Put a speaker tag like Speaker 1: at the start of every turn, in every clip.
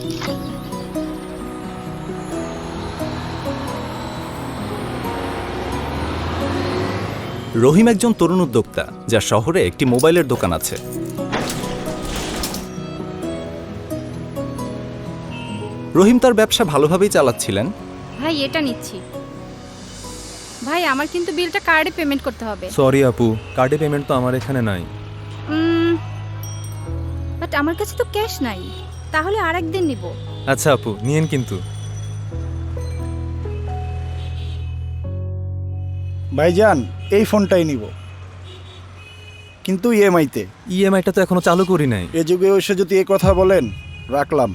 Speaker 1: রহিম একজন তরুণ উদ্যোক্তা, যার শহরে একটি মোবাইলের দোকান আছে। রহিম তার ব্যবসা ভালোভাবেই চালাচ্ছিলেন।
Speaker 2: ভাই এটা নিচ্ছি। ভাই আমার কিন্তু বিলটা কার্ডে পেমেন্ট করতে হবে।
Speaker 3: সরি আপু, কার্ডে পেমেন্ট তো আমার এখানে নাই।
Speaker 2: বাট আমার কাছে তো ক্যাশ নাই, তাহলে আরেকদিন নিব।
Speaker 3: আচ্ছা আপু, নিয়েন কিন্তু।
Speaker 4: ভাইজান এই ফোনটাই নিব, কিন্তু ইএমআইতে।
Speaker 3: ইএমআইটা তো এখনো চালু করি নাই।
Speaker 4: এ যুগে এসে যদি এ কথা বলেন, রাখলাম।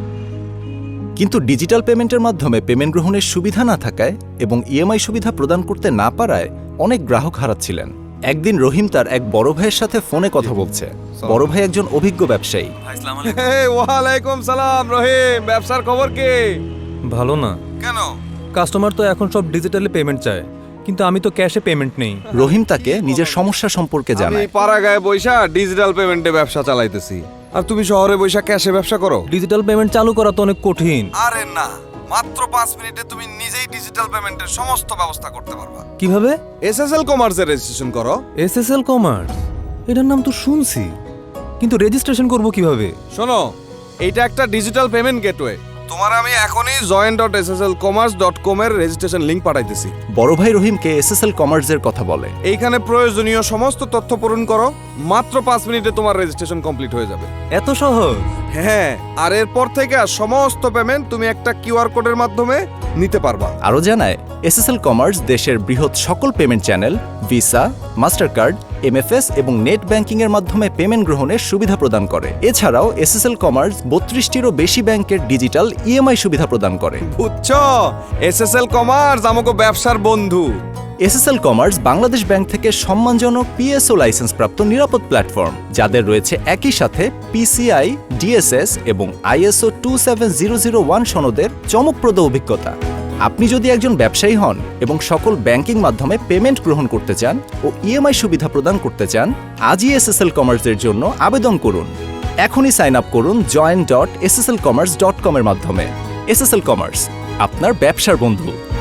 Speaker 1: কিন্তু ডিজিটাল পেমেন্টের মাধ্যমে পেমেন্ট গ্রহণের সুবিধা না থাকায় এবং ইএমআই সুবিধা প্রদান করতে না পারায় অনেক গ্রাহক হারাচ্ছিলেন। একদিন রহিম তার এক বড় ভাইয়ের সাথে ফোনে কথা বলছে। বড় ভাই একজন অভিজ্ঞ ব্যবসায়ী।
Speaker 5: ওয়ালাইকুম সালাম রহিম, ব্যবসার খবর কি?
Speaker 3: ভালো না।
Speaker 5: কেন?
Speaker 3: কাস্টমার তো এখন সব ডিজিটালি পেমেন্ট চায়, কিন্তু আমি তো ক্যাশে পেমেন্ট নেই।
Speaker 1: রহিম তাকে নিজের সমস্যা সম্পর্কে
Speaker 5: আমি
Speaker 1: জানায়।
Speaker 5: পাড়াগায়ে বৈশা ডিজিটাল পেমেন্টে ব্যবসা চালাইতেছি, আর তুমি শহরে বৈশা ক্যাশে ব্যবসা করো।
Speaker 3: ডিজিটাল পেমেন্ট চালু করা তো অনেক কঠিন।
Speaker 5: আরে না, মাত্র 5 মিনিটে তুমি নিজেই ডিজিটাল পেমেন্টের সমস্ত ব্যবস্থা করতে পারবা।
Speaker 3: কিভাবে?
Speaker 5: এসএসএল কমার্সে রেজিস্ট্রেশন করো।
Speaker 3: এসএসএল কমার্স, এটার নাম তো শুনছি, কিন্তু রেজিস্ট্রেশন করব কিভাবে?
Speaker 5: শোনো, এইটা একটা ডিজিটাল পেমেন্ট গেটওয়ে। তোমার আমি এখনই join.sslcommerce.com এর রেজিস্ট্রেশন লিংক পাঠাইতেছি।
Speaker 1: বড় ভাই রহিমকে এসএসএল কমার্সের কথা বলে।
Speaker 5: এইখানে প্রয়োজনীয় সমস্ত তথ্য পূরণ করো, মাত্র 5 মিনিটে তোমার রেজিস্ট্রেশন কমপ্লিট হয়ে যাবে।
Speaker 3: এত সহজ?
Speaker 5: হ্যাঁ, আর এরপর থেকে সমস্ত পেমেন্ট তুমি একটা কিউআর কোডের মাধ্যমে নিতে পারবা।
Speaker 1: আরও জানায়, এসএসএল কমার্স দেশের বৃহৎ সকল payment channel, Visa, Mastercard, MFS এবং নেট ব্যাংকিং এর মাধ্যমে পেমেন্ট গ্রহণের সুবিধা প্রদান করে। এছাড়াও এসএসএল কমার্স 32টিরও বেশি ব্যাংকের ডিজিটাল ইএমআই সুবিধা প্রদান করে।
Speaker 5: বুঝছো, এসএসএল কমার্স আমাকে ব্যবসার বন্ধু।
Speaker 1: এসএসএল কমার্স বাংলাদেশ ব্যাংক থেকে সম্মানজনক পিএসও লাইসেন্স প্রাপ্ত নিরাপদ প্ল্যাটফর্ম, যাদের রয়েছে একই সাথে পিসিআই, ডিএসএস এবং আইএসও 27001 সনদের চমকপ্রদ অভিজ্ঞতা। আপনি যদি একজন ব্যবসায়ী হন এবং সকল ব্যাংকিং মাধ্যমে পেমেন্ট গ্রহণ করতে চান ও ইএমআই সুবিধা প্রদান করতে চান, আজই এসএসএল কমার্সের জন্য আবেদন করুন। এখনই সাইন আপ করুন join.sslcommerce.com এর মাধ্যমে। এসএসএল কমার্স, আপনার ব্যবসার বন্ধু।